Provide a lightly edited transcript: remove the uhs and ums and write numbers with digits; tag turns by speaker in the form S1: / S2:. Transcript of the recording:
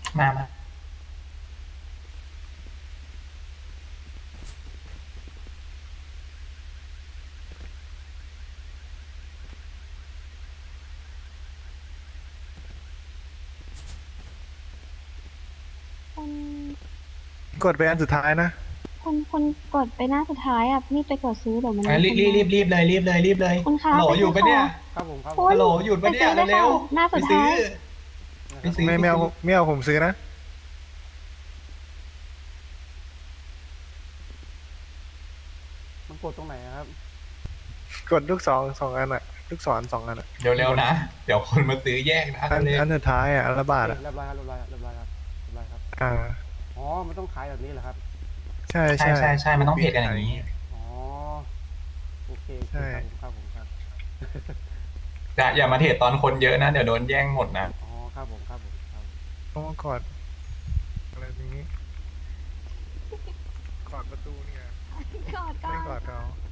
S1: มา
S2: คน
S3: กดไปอันสุดท้ายนะ
S2: คนกดไปหน้าสุดท้ายอ่ะนี่ไปกดซื้อเดี๋ยวมัน
S1: รีบรีบรีบรีบเลยรีบเลยรีบเลย
S2: คุณคะ
S1: ฮัลโหล
S2: ไป
S1: อยู่
S2: ซื้
S1: ปะเนี่ย
S4: ครับผมครับ
S2: คุ
S1: ฮั
S2: ณ
S1: ลโหลหยุด
S2: ไป
S1: ปะเนี่
S2: ซื้
S1: ย
S2: อเลย
S1: เร็
S2: ค่ะ
S1: ว
S2: หน้า
S1: ๆไป
S2: สุด
S1: ซื้
S2: ท้า
S1: อย ไปซื้อ
S3: ไม่เอาผมซื้อนะ
S4: มันกดตรงไหนอะครับ
S3: กดลูกสองอันอะลูกศรสองอันอะ
S1: เร็วๆนะ เดี๋ยวคนมาซื้อแยกนะ
S3: อัน
S1: เร็ว
S3: อันสุดท้ายอะอันละบาทอะ
S4: เรียบร้อยครับเรียบร้อยครับเรียบร้อยครับเรียบร้อยครับ
S3: อ่า
S4: อ๋อ มันต้องขายแบบนี้เหรอครับ
S3: ใช่
S1: ใช่ใช่ใช่มันต้องเพจกันอย่างนี้
S4: อ๋อ โอเคโอเค
S3: ใช่
S4: ครับผมครับ
S1: อย่ามาเทรดตอนคนเยอะนะ เดี๋ยวโดนแย่งหมดนะ
S4: อ๋อ ครับผมครับผมครับ
S3: ต้องกอดอะไรตรงนี้กอดประตูเนี่ย
S2: กอดก่อ
S3: ไม่
S2: น
S3: กอดเขา